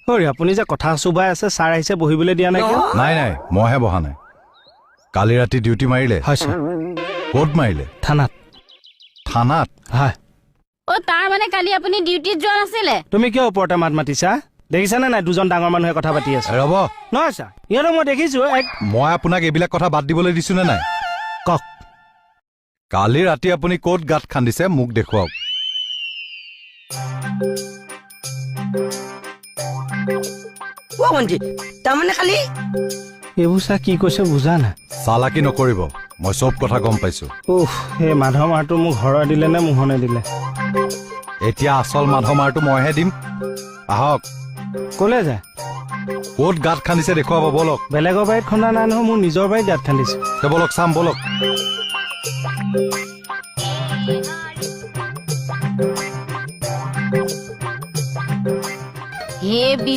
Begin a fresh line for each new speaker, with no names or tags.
হৰি আপুনি যে কথা চুবাই আছে ছাৰ আহিছে বহিবলৈ দিয়া নাই কিয়?
নাই নাই মইহে বহা নাই কালি ৰাতি ডিউটি মাৰিলে
হয় ছাৰ
ক'ত মাৰিলে
থানাত
থানাত
হয়
তাৰ মানে কালি আপুনি ডিউটিত যোৱা নাছিলে
তুমি কিয় ওপৰতে মাত মাতিছা দেখিছানে নাই দুজন ডাঙৰ মানুহে কথা পাতি আছে
ৰ'ব
নহয় ছাৰ ইহঁতক মই দেখিছো
মই আপোনাক এইবিলাক কথা বাদ দিবলৈ দিছো নে নাই
কওক
কালি ৰাতি আপুনি ক'ত গাঁত খান্দিছে মোক দেখুৱাওক
তাৰমানে খালি
এইবোৰ ছাৰ কি কৈছে বুজা নাই
চালাকি নকৰিব মই চব কথা গম পাইছো
উফ সেই মাধৱ মাৰটো মোক ঘৰৰ দিলে নে মোহনে দিলে
এতিয়া আচল মাধ মাৰটো মইহে দিম আহক
ক'লে যায়
ক'ত গাঁত খান্দিছে দেখুৱাব বলক
বেলেগৰ বাৰীত খন্দা নাই নহয় মোৰ নিজৰ বাৰীত গাঁত খান্দিছে
বলক চাম বলক
হে